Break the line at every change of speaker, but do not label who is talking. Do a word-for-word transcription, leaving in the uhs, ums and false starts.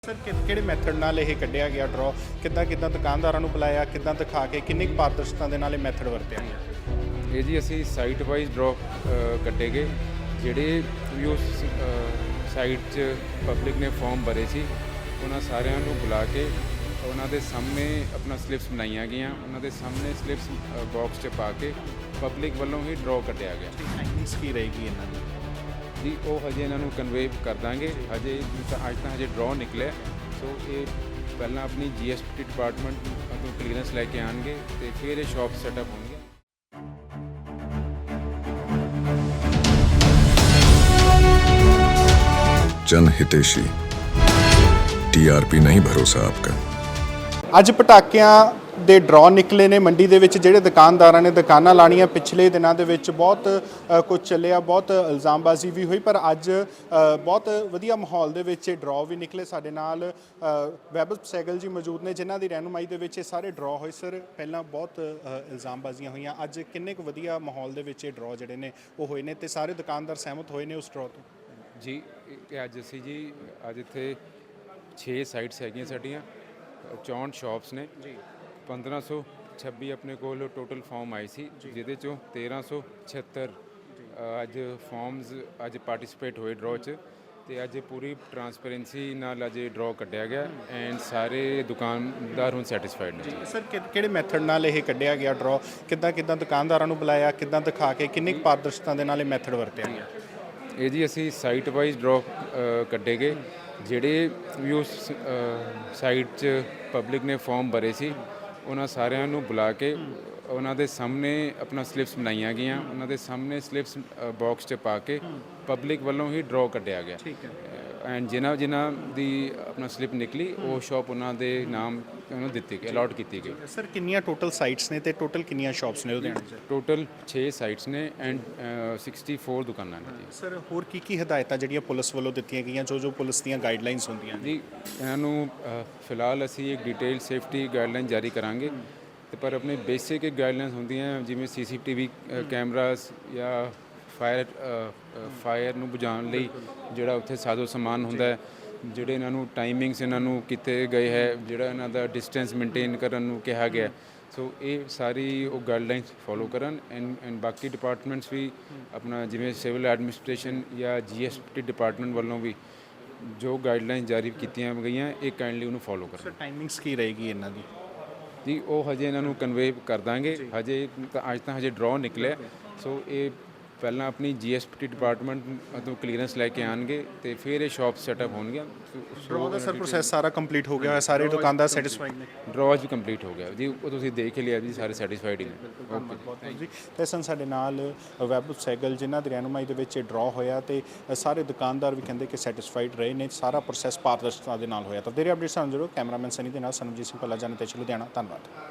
Sir ਕਿ ਕਿਹੜੇ method ਨਾਲ ਇਹ ਕੱਢਿਆ ਗਿਆ ਡਰਾ ਕਿੱਦਾਂ ਕਿੱਦਾਂ ਦੁਕਾਨਦਾਰਾਂ ਨੂੰ ਬੁਲਾਇਆ ਕਿੱਦਾਂ ਦਿਖਾ ਕੇ ਕਿੰਨੀ ਕੁ ਪਾਰਦਰਸ਼ਤਾ ਦੇ ਨਾਲ ਇਹ ਮੈਥਡ ਵਰਤਿਆ ਗਿਆ।
ਇਹ ਜੀ ਅਸੀਂ ਸਾਈਟ ਵਾਈਜ਼ ਡ੍ਰੌਪ ਕੱਢੇ ਗਏ ਜਿਹੜੇ ਵੀ ਉਸ ਸਾਈਟ 'ਚ ਪਬਲਿਕ ਨੇ ਫਾਰਮ ਭਰੇ ਸੀ ਉਹਨਾਂ ਸਾਰਿਆਂ ਨੂੰ ਬੁਲਾ ਕੇ ਉਹਨਾਂ ਦੇ ਸਾਹਮਣੇ ਆਪਣਾ ਸਲਿਪਸ ਬਣਾਈਆਂ ਗਈਆਂ ਉਹਨਾਂ ਦੇ ਸਾਹਮਣੇ ਸਲਿਪਸ ਬਾਕਸ 'ਚ ਪਾ ਕੇ ਪਬਲਿਕ ਵੱਲੋਂ ਹੀ ਡਰਾਅ ਕੱਢਿਆ ਗਿਆ।
ਟਾਈਮਿੰਗਸ ਕੀ ਰਹੇਗੀ ਇਹਨਾਂ ਦੀ
ਜੀ ਉਹ ਹਜੇ ਇਹਨਾਂ ਨੂੰ ਕਨਵੇ ਕਰ ਦਾਂਗੇ ਹਜੇ ਤਾਂ ਅੱਜ ਤਾਂ ਹਜੇ ਡਰਾਅ ਨਿਕਲਿਆ ਸੋ ਇਹ ਪਹਿਲਾਂ ਆਪਣੀ ਜੀ ਐਸ ਟੀ ਡਿਪਾਰਟਮੈਂਟ ਤੋਂ ਕਲੀਅਰੈਂਸ ਲੈ ਕੇ ਆਉਣਗੇ ਅਤੇ ਫਿਰ ਇਹ ਸ਼ਾਪ ਸੈਟਅਪ ਹੋਣਗੇ।
जन हितेशी टीआरपी नहीं भरोसा आपका।
ਅੱਜ ਪਟਾਕਿਆਂ ਦੇ ਡਰਾ ਨਿਕਲੇ ਨੇ ਮੰਡੀ ਦੇ ਵਿੱਚ ਜਿਹੜੇ ਦੁਕਾਨਦਾਰਾਂ ਨੇ ਦੁਕਾਨਾਂ ਲਾਣੀਆਂ ਪਿਛਲੇ ਦਿਨਾਂ ਦੇ ਵਿੱਚ ਬਹੁਤ ਕੁਝ ਚੱਲਿਆ ਬਹੁਤ ਇਲਜ਼ਾਮਬਾਜ਼ੀ ਵੀ ਹੋਈ ਪਰ ਅੱਜ ਬਹੁਤ ਵਧੀਆ ਮਾਹੌਲ ਦੇ ਵਿੱਚ ਇਹ ਡਰਾ ਵੀ ਨਿਕਲੇ। ਸਾਡੇ ਨਾਲ ਵੈਭਵ ਸਹਿਗਲ ਜੀ ਮੌਜੂਦ ਨੇ ਜਿਨ੍ਹਾਂ ਦੀ ਰਹਿਨੁਮਾਈ ਦੇ ਵਿੱਚ ਇਹ ਸਾਰੇ ਡਰਾ ਹੋਏ। ਸਰ ਪਹਿਲਾਂ ਬਹੁਤ ਇਲਜ਼ਾਮਬਾਜ਼ੀਆਂ ਹੋਈਆਂ ਅੱਜ ਕਿੰਨੇ ਕੁ ਵਧੀਆ ਮਾਹੌਲ ਦੇ ਵਿੱਚ ਇਹ ਡਰਾ ਜਿਹੜੇ ਨੇ ਉਹ ਹੋਏ ਨੇ ਤੇ ਸਾਰੇ ਦੁਕਾਨਦਾਰ ਸਹਿਮਤ ਹੋਏ ਨੇ ਉਸ ਡਰਾ ਤੋਂ?
ਜੀ ਇਹ ਅੱਜ ਅਸੀਂ ਜੀ ਅੱਜ ਇੱਥੇ ਛੇ ਸਾਈਟਸ ਹੈਗੀਆਂ ਸਾਡੀਆਂ ਚੌਂਹਠ ਸ਼ਾਪਸ ਨੇ ਜੀ ਪੰਦਰਾਂ ਸੌ ਛੱਬੀ ਆਪਣੇ ਕੋਲ ਟੋਟਲ ਫਾਰਮ ਆਏ ਸੀ ਜਿਹਦੇ ਚੋਂ ਤੇਰਾਂ ਸੌ ਛਿਹੱਤਰ ਅੱਜ ਫਾਰਮਸ ਅੱਜ ਪਾਰਟਿਸਿਪੇਟ ਹੋਏ ਡਰਾਅ 'ਚ ਅਤੇ ਅੱਜ ਪੂਰੀ ਟਰਾਂਸਪੇਰੈਂਸੀ ਨਾਲ ਅੱਜ ਡਰਾਅ ਕੱਢਿਆ ਗਿਆ ਐਂਡ ਸਾਰੇ ਦੁਕਾਨਦਾਰ ਹੁਣ ਸੈਟਿਸਫਾਈਡ ਨੇ।
ਸਰ ਕਿਹੜੇ ਮੈਥਡ ਨਾਲ ਇਹ ਕੱਢਿਆ ਗਿਆ ਡਰਾਅ ਕਿੱਦਾਂ ਕਿੱਦਾਂ ਦੁਕਾਨਦਾਰਾਂ ਨੂੰ ਬੁਲਾਇਆ ਕਿੱਦਾਂ ਦਿਖਾ ਕੇ ਕਿੰਨੀ ਕੁ ਪਾਰਦਰਸ਼ਤਾ ਦੇ ਨਾਲ ਇਹ ਮੈਥਡ ਵਰਤਿਆ ਗਿਆ?
ਇਹ ਜੀ ਅਸੀਂ ਸਾਈਟ ਵਾਈਜ਼ ਡਰਾਅ ਕੱਢੇ ਗਏ ਜਿਹੜੇ ਵੀ ਉਸ ਸਾਈਟ 'ਚ ਪਬਲਿਕ ਨੇ ਫਾਰਮ ਭਰੇ ਸੀ ਉਹਨਾਂ ਸਾਰਿਆਂ ਨੂੰ ਬੁਲਾ ਕੇ ਉਹਨਾਂ ਦੇ ਸਾਹਮਣੇ ਆਪਣਾ ਸਲਿਪਸ ਬਣਾਈਆਂ ਗਈਆਂ ਉਹਨਾਂ ਦੇ ਸਾਹਮਣੇ ਸਲਿਪਸ ਬਾਕਸ 'ਚ ਪਾ ਕੇ ਪਬਲਿਕ ਵੱਲੋਂ ਹੀ ਡਰਾਅ ਕੱਢਿਆ ਗਿਆ ਐਂਡ ਜਿਨ੍ਹਾਂ ਜਿਨ੍ਹਾਂ ਦੀ ਆਪਣਾ ਸਲਿੱਪ ਨਿਕਲੀ ਉਹ ਸ਼ਾਪ ਉਹਨਾਂ ਦੇ ਨਾਮ ਉਹਨੂੰ ਦਿੱਤੀ ਗਈ ਅਲਾਟ ਕੀਤੀ ਗਈ।
ਸਰ ਕਿੰਨੀਆਂ ਟੋਟਲ ਸਾਈਟਸ ਨੇ ਤੇ ਟੋਟਲ ਕਿੰਨੀਆਂ ਸ਼ਾਪਸ ਨੇ ਲੁਧਿਆਣੇ 'ਚ?
ਟੋਟਲ ਛੇ ਸਾਈਟਸ ਨੇ ਐਂਡ ਸਿਕਸਟੀ ਫੋਰ ਦੁਕਾਨਾਂ ਨੇ ਜੀ।
ਸਰ ਹੋਰ ਕੀ ਕੀ ਹਦਾਇਤਾਂ ਜਿਹੜੀਆਂ ਪੁਲਿਸ ਵੱਲੋਂ ਦਿੱਤੀਆਂ ਗਈਆਂ ਜੋ ਜੋ ਪੁਲਿਸ ਦੀਆਂ ਗਾਈਡਲਾਈਨਸ ਹੁੰਦੀਆਂ ਨੇ?
ਜੀ ਇਹਨਾਂ ਨੂੰ ਫਿਲਹਾਲ ਅਸੀਂ ਇੱਕ ਡਿਟੇਲ ਸੇਫਟੀ ਗਾਈਡਲਾਈਨ ਜਾਰੀ ਕਰਾਂਗੇ ਤੇ ਪਰ ਆਪਣੇ ਬੇਸਿਕ ਇੱਕ ਗਾਈਡਲਾਈਨਸ ਹੁੰਦੀਆਂ ਜਿਵੇਂ C C T V cameras ਜਾਂ ਫਾਇਰ ਫਾਇਰ ਨੂੰ ਬੁਝਾਉਣ ਲਈ ਜਿਹੜਾ ਉੱਥੇ ਸਾਜ਼ੋ ਸਮਾਨ ਹੁੰਦਾ ਹੈ ਜਿਹੜੇ ਇਹਨਾਂ ਨੂੰ ਟਾਈਮਿੰਗਸ ਇਹਨਾਂ ਨੂੰ ਕੀਤੇ ਗਏ ਹੈ ਜਿਹੜਾ ਇਹਨਾਂ ਦਾ ਡਿਸਟੈਂਸ ਮੇਨਟੇਨ ਕਰਨ ਨੂੰ ਕਿਹਾ ਗਿਆ ਸੋ ਇਹ ਸਾਰੀ ਉਹ ਗਾਈਡਲਾਈਨਸ ਫੋਲੋ ਕਰਨ ਐਂਡ ਐਂਡ ਬਾਕੀ ਡਿਪਾਰਟਮੈਂਟਸ ਵੀ ਆਪਣਾ ਜਿਵੇਂ ਸਿਵਲ ਐਡਮਿਨਿਸਟ੍ਰੇਸ਼ਨ ਜਾਂ ਜੀ ਐਸ ਟੀ ਡਿਪਾਰਟਮੈਂਟ ਵੱਲੋਂ ਵੀ ਜੋ ਗਾਈਡਲਾਈਨ ਜਾਰੀ ਕੀਤੀਆਂ ਗਈਆਂ ਇਹ ਕਾਈਂਡਲੀ ਉਹਨੂੰ ਫੋਲੋ ਕਰਨ।
ਸਰ ਟਾਈਮਿੰਗਸ ਕੀ ਰਹੇਗੀ ਇਹਨਾਂ ਦੀ?
ਜੀ ਉਹ ਹਜੇ ਇਹਨਾਂ ਨੂੰ ਕਨਵੇ ਕਰ ਦਾਂਗੇ ਹਜੇ ਤਾਂ ਅੱਜ ਤਾਂ ਹਜੇ ਡਰਾਅ ਨਿਕਲਿਆ ਸੋ ਇਹ ਪਹਿਲਾਂ ਆਪਣੀ ਜੀ ਐਸ ਟੀ ਡਿਪਾਰਟਮੈਂਟ ਤੋਂ ਕਲੀਅਰੈਂਸ ਲੈ ਕੇ ਆਉਣਗੇ ਅਤੇ ਫਿਰ ਇਹ ਸ਼ਾਪ ਸੈਟਅਪ ਹੋਣਗੀਆਂ।
ਡਰਾਅ ਦਾ ਸਰ ਪ੍ਰੋਸੈਸ ਸਾਰਾ ਕੰਪਲੀਟ ਹੋ ਗਿਆ ਹੋਇਆ ਸਾਰੇ ਦੁਕਾਨਦਾਰ ਸੈਟੀਸਫਾਈਡ ਨੇ?
ਡਰਾਅ ਵੀ ਕੰਪਲੀਟ ਹੋ ਗਿਆ ਜੀ ਉਹ ਤੁਸੀਂ ਦੇਖ ਹੀ ਲਿਆ ਜੀ ਸਾਰੇ ਸੈਟੀਸਫਾਈਡ ਹੀ ਨੇ। ਓਕੇ
ਬਹੁਤ ਜੀ ਤੇ ਸਨ ਸਾਡੇ ਨਾਲ ਵੈਭਵ ਸਹਿਗਲ ਜਿਨ੍ਹਾਂ ਦੀ ਰਹਿਨੁਮਾਈ ਦੇ ਵਿੱਚ ਇਹ ਡਰਾਅ ਹੋਇਆ ਤੇ ਸਾਰੇ ਦੁਕਾਨਦਾਰ ਵੀ ਕਹਿੰਦੇ ਕਿ ਸੈਟੀਸਫਾਈਡ ਰਹੇ ਨੇ ਸਾਰਾ ਪ੍ਰੋਸੈਸ ਪਾਰਦਰਸ਼ਤਾ ਦੇ ਨਾਲ ਹੋਇਆ। ਤਾਂ ਤੇਰੇ ਅਪਡੇਟ ਸਾਨੂੰ ਜ਼ਰੂਰ ਕੈਮਰਾਮੈਨ ਸਨੀ ਦੇ ਨਾਲ ਸਨਮਜੀਤ ਸਿੰਘ ਭੱਲਾ ਜਾਣੇ ਤੇ ਲੁਧਿਆਣਾ। ਧੰਨਵਾਦ।